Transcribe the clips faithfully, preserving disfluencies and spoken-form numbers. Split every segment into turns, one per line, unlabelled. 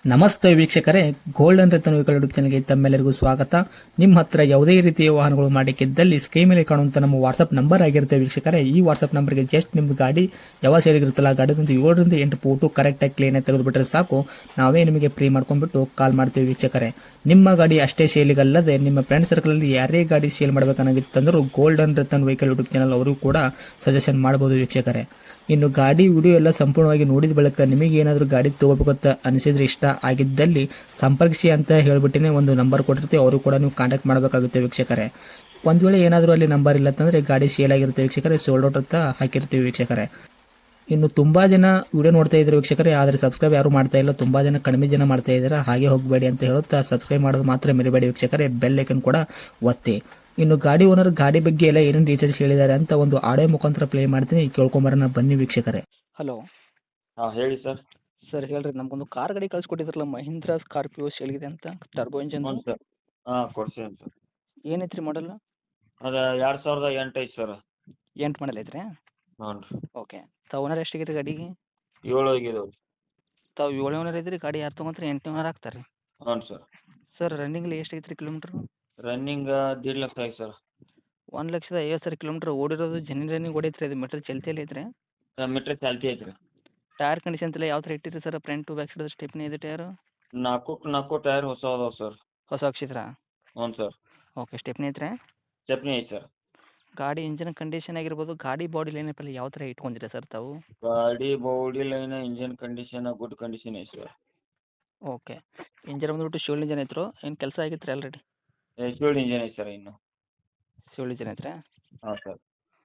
ನಮಸ್ತೆ ವೀಕ್ಷಕರೇ, golden Ratan vehicle YouTube ಚಾನಲ್ಗೆ ತಮ್ಮೆಲ್ಲರಿಗೂ ಸ್ವಾಗತ. ನಿಮ್ಮ ಹತ್ರ ಯಾವುದೇ ರೀತಿಯ ವಾಹನಗಳು ಮಾಡಿಕ್ಕಿದ್ದಲ್ಲಿ ಸ್ಕ್ರೀನ್ ಮೇಲೆ ಕಾಣುವಂತ ನಮ್ಮ ವಾಟ್ಸ್ಆಪ್ ನಂಬರ್ ಆಗಿರುತ್ತೆ ವೀಕ್ಷಕರೇ. ಈ ವಾಟ್ಸ್ಆಪ್ ನಂಬರ್ಗೆ ಜಸ್ಟ್ ನಿಮ್ದು ಗಾಡಿ ಯಾವ ಸೇರಿಗಿರುತ್ತಲ್ಲ ಗಾಡಿದಂತ ಏಳರಿಂದ ಎಂಟು ಫೋಟೋ ಕರೆಕ್ಟಾಗಿ ಕ್ಲೀನ್ ಆಗಿ ತೆಗೆದುಬಿಟ್ರೆ ಸಾಕು, ನಾವೇ ನಿಮಗೆ ಫ್ರೀ ಮಾಡ್ಕೊಂಡ್ಬಿಟ್ಟು ಕಾಲ್ ಮಾಡ್ತೀವಿ ವೀಕ್ಷಕರೇ. ನಿಮ್ಮ ಗಾಡಿ ಅಷ್ಟೇ ಸೇಲಿಗಲ್ಲದೆ ನಿಮ್ಮ ಫ್ರೆಂಡ್ ಸರ್ಕಲ್ ಅಲ್ಲಿ ಯಾರೇ ಗಾಡಿ ಸೇಲ್ ಮಾಡಬೇಕನ್ನಾಗಿತ್ತಂದ್ರೂ golden Ratan vehicle YouTube channel ಅವರು ಕೂಡ ಸಜೆಷನ್ ಮಾಡಬಹುದು ವೀಕ್ಷಕರೇ. ಇನ್ನು ಗಾಡಿ ವಿಡಿಯೋ ಎಲ್ಲ ಸಂಪೂರ್ಣವಾಗಿ ನೋಡಿದ ಬಳಿಕ ನಿಮಗೆ ಏನಾದರೂ ಗಾಡಿ ತಗೋಬೇಕಂತ ಅನಿಸಿದ್ರೆ, ಇಷ್ಟ ಆಗಿದ್ದಲ್ಲಿ ಸಂಪರ್ಕಿಸಿ ಅಂತ ಹೇಳ್ಬಿಟ್ಟಿನೇ ಒಂದು ನಂಬರ್ ಕೊಟ್ಟಿರ್ತೀವಿ, ಅವರು ಕೂಡ ನೀವು ಕಾಂಟ್ಯಾಕ್ಟ್ ಮಾಡಬೇಕಾಗುತ್ತೆ ವೀಕ್ಷಕರೇ. ಒಂದು ವೇಳೆ ಏನಾದರೂ ಅಲ್ಲಿ ನಂಬರ್ ಇಲ್ಲ ಅಂತಂದರೆ ಗಾಡಿ ಸೇಲ್ ಆಗಿರುತ್ತೆ ವೀಕ್ಷಕರೇ, ಸೋಲ್ಡ್ ಔಟ್ ಅಂತ ಹಾಕಿರ್ತೀವಿ ವೀಕ್ಷಕರೇ. ಇನ್ನು ತುಂಬ ಜನ ವಿಡಿಯೋ ನೋಡ್ತಾ ಇದ್ದಾರೆ ವೀಕ್ಷಕರೇ, ಆದರೆ ಸಬ್ಸ್ಕ್ರೈಬ್ ಯಾರು ಮಾಡ್ತಾ ಇಲ್ಲ, ತುಂಬ ಜನ ಕಡಿಮೆ ಜನ ಮಾಡ್ತಾ ಇದ್ದಾರೆ. ಹಾಗೆ ಹೋಗಬೇಡಿ ಅಂತ ಹೇಳುತ್ತಾ ಸಬ್ಸ್ಕ್ರೈಬ್ ಮಾಡೋದು ಮಾತ್ರ ಮರಿಬೇಡಿ ವೀಕ್ಷಕರೇ, ಬೆಲ್ ಐಕನ್ ಕೂಡ ಒತ್ತಿ. ಇನ್ನು ಗಾಡಿ ಓನರ್ ಗಾಡಿ ಬಗ್ಗೆ ಎಲ್ಲ ಏನೇನು ಡೀಟೇಲ್ಸ್ ಹೇಳಿದ್ದಾರೆ ಅಂತ ಒಂದು ಆಡಿಯೋ ಮುಖಾಂತರ ಪ್ಲೇ ಮಾಡ್ತೀನಿ, ಕೇಳ್ಕೊಂಬರೋಣ ಬನ್ನಿ ವೀಕ್ಷಕರೇ. ಹಲೋ
ಹಾಂ ಹೇಳಿ ಸರ್.
ಸರ್, ಹೇಳ್ರಿ, ನಮಗೊಂದು ಕಾರ್ ಗಾಡಿ ಕಳ್ಸಿಕೊಟ್ಟಿದ್ರಲ್ಲ, ಮಹೀಂದ್ರಾ ಸ್ಕಾರ್ಪಿಯೋ ಸೇಲ್ಗಿದೆ ಅಂತ, ಟರ್ಬೋ ಇಂಜನ್.
ಹ್ಞೂ ಸರ್. ಹಾಂ ಕೊಡ್ಸೀನಿ ಸರ್.
ಏನೈತ್ರಿ ಮಾಡಲ್?
ಅದು ಎರಡು ಸಾವಿರದ ಎಂಟು ಐತೆ ಸರ್.
ಎಂಟು ಮಾಡಲ್ ಐತ್ರಿ?
ಹ್ಞೂ ರೀ.
ಓಕೆ. ತಾವು ಓನರ್ ಎಷ್ಟಾಗೈತೆ ಗಾಡಿಗೆ?
ಏಳು ಆಗಿದಾವೆ.
ತಾವು ಏಳು ಓನರ್ ಇದ್ರಿ, ಗಾಡಿ ಯಾರು ತೊಗೊಂಡ್ರೆ ಎಂಟು ಓನರ್ ಆಗ್ತಾರೆ ರೀ?
ಹ್ಞೂ ಸರ್.
ಸರ್, ರನ್ನಿಂಗ್ಲಿ ಎಷ್ಟು ಐತ್ರಿ ಕಿಲೋಮೀಟ್ರು?
ರನ್ನಿಂಗ್ ದೀಡ್ ಲಕ್ಷ ಆಯ್ತು ಸರ್.
ಒಂದು ಲಕ್ಷದ ಐವತ್ತು ಸಾವಿರ ಕಿಲೋಮೀಟ್ರ್ ಓಡಿರೋದು, ಜೆನ್ಯೂನ್ ರನ್ನಿಂಗ್ ಓಡೈತ್ರಿ, ಅದು ಮೀಟ್ರ್ ಚಲ್ತಿಯಲ್ಲಿ ಐತ್ರಿ?
ಮೀಟ್ರ್ ಚಾಲ್ತಿ ಐತೆ ರೀ.
ಟೈರ್ ಕಂಡೀಷನ್ ಎಲ್ಲ ಯಾವ ಥರ ಇಟ್ಟಿರಿ ಸರ್? Front to back side stepney ಇದೆ ಟೈರು?
ನಾಲ್ಕು ನಾಲ್ಕು ಟೈರ್ ಹೊಸ ಅದಾವೆ ಸರ್.
ಹೊಸ ಹಾಕ್ಸಿದ್ರಾ?
ಹ್ಞೂ ಸರ್.
ಓಕೆ. ಸ್ಟೆಪ್ನಿ ಐತ್ರಿ?
ಸ್ಟೆಪ್ನಿ ಐತೆ ಸರ್.
ಗಾಡಿ ಇಂಜಿನ್ ಕಂಡೀಷನ್ ಆಗಿರ್ಬೋದು, ಗಾಡಿ ಬಾಡಿ ಲೈನಪ್ಪಲ್ಲಿ ಯಾವ ಥರ ಇಟ್ಕೊಂಡಿರಾ ಸರ್ ತಾವು?
ಗಾಡಿ body line engine condition good condition ಐತೆ ಸರ್.
ಓಕೆ. ಇಂಜನ್ ಬಂದ್ಬಿಟ್ಟು ಶಿವಲ್ ಇಂಜನ್ ಐತ್ರೋ ಏನು ಕೆಲಸ ಆಗಿತ್ತು ರೀ ಆಲ್ರೆಡಿ?
ಶಿವಲ್ಡ್ ಇಂಜಿನ್ ಐತೆ ಸರ್ ಇನ್ನು.
ಶಿವಲ್ ಇಂಜನ್ ಐತ್ರಿ?
ಹಾಂ ಸರ್.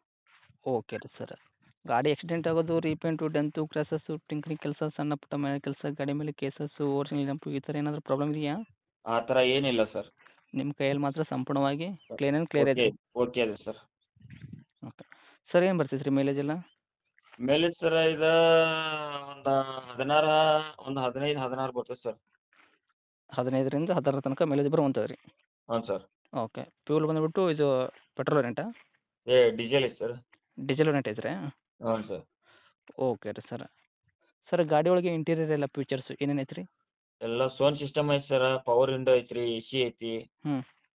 ಓಕೆ ರೀ ಸರ್. ಗಾಡಿ ಆಕ್ಸಿಡೆಂಟ್ ಆಗೋದು, ರೀಪೇಂಟು, ಡೆಂತು, ಕ್ರ್ಯಾಸಸ್ಸು, ಟಿಂಕ್ರಿಂಗ್ ಕೆಲಸ, ಸಣ್ಣ ಪುಟ್ಟ ಮನೆ ಕೆಲಸ, ಗಾಡಿ ಮೇಲೆ ಕೇಸಸ್ಸು, ಓರಿಜಿನಲ್ ನೆಂಪು, ಈ ಥರ ಏನಾದರೂ ಪ್ರಾಬ್ಲಮ್ ಇದೆಯಾ?
ಆ ಥರ ಏನಿಲ್ಲ ಸರ್.
ನಿಮ್ಮ ಕೈಯಲ್ಲಿ ಮಾತ್ರ ಸಂಪೂರ್ಣವಾಗಿ ಕ್ಲೀನ್ ಆ್ಯಂಡ್ ಕ್ಲಿಯರ್
ಓಕೆ
ಐತೆ?
ಓಕೆ ಇದೆ ಸರ್.
ಓಕೆ. ಸರ್, ಏನು ಬರ್ತೈತೆ ರೀ ಮೈಲೇಜ್ ಎಲ್ಲ?
ಮೇಲೆ ಸರ್ ಇದು ಒಂದು ಹದಿನಾರು, ಒಂದು ಹದಿನೈದು ಹದಿನಾರು ಬರ್ತದೆ ಸರ್.
ಹದಿನೈದರಿಂದ ಹದಿನಾರು ತನಕ ಮೈಲೇಜ್ ಬರುವಂಥದ್ದು ರೀ?
ಹ್ಞೂ ಸರ್.
ಓಕೆ. ಫ್ಯೂಲ್ ಬಂದುಬಿಟ್ಟು ಇದು ಪೆಟ್ರೋಲ್ ವೇರಿಯಂಟಾ?
ಏ ಡೀಸೆಲ್ ಐತೆ ಸರ್.
ಡೀಸೆಲ್ ವೇರಿಯಂಟ್ ಐತ್ರಿ?
ಹ್ಞೂ ಸರ್.
ಓಕೆ ರೀ ಸರ್. ಸರ್, ಗಾಡಿ ಒಳಗೆ ಇಂಟೀರಿಯರ್ ಎಲ್ಲ ಫೀಚರ್ಸು ಏನೇನು ಐತ್ರಿ?
ಎಲ್ಲ ಸೌಂಡ್ ಸಿಸ್ಟಮ್ ಐತೆ ಸರ್, ಪವರ್ ವಿಂಡೋ ಐತ್ರಿ, ಎ ಸಿ ಐತಿ.
ಹ್ಞೂ.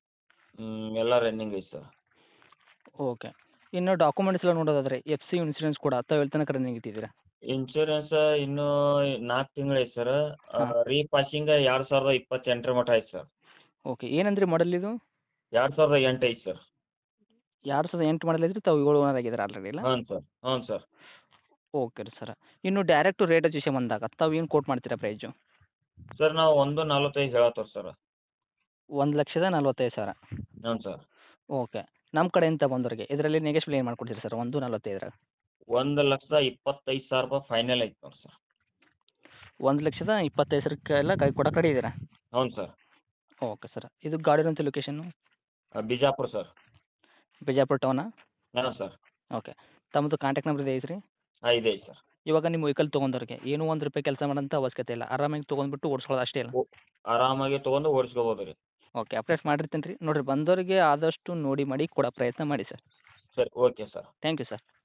ಎಲ್ಲ ರನ್ನಿಂಗ್ ಐತೆ ಸರ್.
ಓಕೆ. ಇನ್ನು ಡಾಕ್ಯುಮೆಂಟ್ಸ್ ಎಲ್ಲ ನೋಡೋದಾದ್ರೆ ಎಫ್ ಸಿ ಇನ್ಸೂರೆನ್ಸ್ ಕೂಡ ತಾವು ಎಲ್ಲಿ ತನಕ ರನ್ನಿಂಗ್ ಇಟ್ಟಿದ್ದೀರಾ?
ಇನ್ಶೂರೆನ್ಸ್ ಇನ್ನೂ ನಾಲ್ಕು ತಿಂಗಳು ಐತೆ ಸರ್.
ಹಾಂ.
ರೀಪಾಸಿಂಗ್ ಎರಡು ಸಾವಿರದ ಇಪ್ಪತ್ತೆಂಟರ ಮಟ್ಟ ಐತೆ ಸರ್.
ಓಕೆ. ಏನಂದ್ರಿ ಮಾಡಲ್ ಇದು?
ಎರಡು ಸಾವಿರದ ಎಂಟು ಐತೆ ಸರ್.
ಎರಡು ಸಾವಿರದ ಎಂಟು ಮಾಡಲ್ ಐತ್ರಿ, ತಾವು ಏಳು ಓನರ್ ಆಗಿದ್ದೀರಾ ಆಲ್ರೆಡಿ ಇಲ್ಲ?
ಹ್ಞೂ ಸರ್. ಹ್ಞೂ ಸರ್.
ಓಕೆ ರೀ ಸರ್. ಇನ್ನು ಡೈರೆಕ್ಟು ರೇಟ್ ವಿಷಯ ಬಂದಾಗ ತಾವು ಏನು ಕೋಟ್ ಮಾಡ್ತೀರಾ ಪ್ರೈಸು?
ಸರ್ ನಾವು ಒಂದು ನಲ್ವತ್ತೈದು ಹೇಳತ್ತವ್ರಿ ಸರ್.
ಒಂದು ಲಕ್ಷದ ನಲ್ವತ್ತೈದು ಸಾವಿರ?
ಹ್ಞೂ ಸರ್.
ಓಕೆ. ನಮ್ಮ ಕಡೆಯಿಂದ ಬಂದವ್ರಿಗೆ ಇದರಲ್ಲಿ ನೆಗೆಶ್ಬಲ್ ಏನು ಮಾಡ್ಕೊಡ್ತೀರಿ ಸರ್ ಒಂದು ನಲ್ವತ್ತೈದರಾಗ?
ಒಂದು ಲಕ್ಷದ ಇಪ್ಪತ್ತೈದು ಸಾವಿರ ರೂಪಾಯಿ ಫೈನಲ್ ಐತೆ ನೋಡಿ ಸರ್.
ಒಂದು ಲಕ್ಷದ ಇಪ್ಪತ್ತೈದು ಸಾವಿರಕ್ಕೆಲ್ಲ ಗಾಡಿ ಕೊಡೋ ಕಡೆ ಇದ್ದೀರಾ?
ಹ್ಞೂ ಸರ್.
Okay sir. ಇದು ಗಾಡಿ ಇರೋಂಥ ಲೊಕೇಶನ್ನು?
ಬಿಜಾಪುರ ಸರ್.
ಬಿಜಾಪುರ ಟೌನಾ?
ಹಾಂ ಸರ್.
ಓಕೆ. ತಮ್ಮದು ಕಾಂಟ್ಯಾಕ್ಟ್ ನಂಬರ್ ಇದೆ ಐತ್ರಿ?
ಹಾಂ ಇದೆ ಐತೆ ಸರ್.
ಇವಾಗ ನಿಮ್ಮ ವೆಹಿಕಲ್ ತೊಗೊಂಡವ್ರಿಗೆ ಏನೂ ಒಂದು ರೂಪಾಯಿ ಕೆಲಸ ಮಾಡೋಂಥ ಅವಶ್ಯಕತೆ ಇಲ್ಲ, ಆರಾಮಾಗಿ ತೊಗೊಂಡ್ಬಿಟ್ಟು ಓಡಿಸ್ಕೊಳ್ಳೋದು ಅಷ್ಟೇ ಅಲ್ಲ?
ಓ ಆರಾಮಾಗಿ ತೊಗೊಂಡು ಓಡಿಸ್ಕೋಬೋದು ರೀ.
ಓಕೆ. ಅಪ್ಡೇಟ್ ಮಾಡಿರ್ತೀನಿ ರೀ, ನೋಡಿರಿ ಬಂದವರಿಗೆ ಆದಷ್ಟು ನೋಡಿ ಮಾಡಿ ಕೊಡೋ ಪ್ರಯತ್ನ ಮಾಡಿ ಸರ್.
ಸರಿ okay sir.
Thank you sir.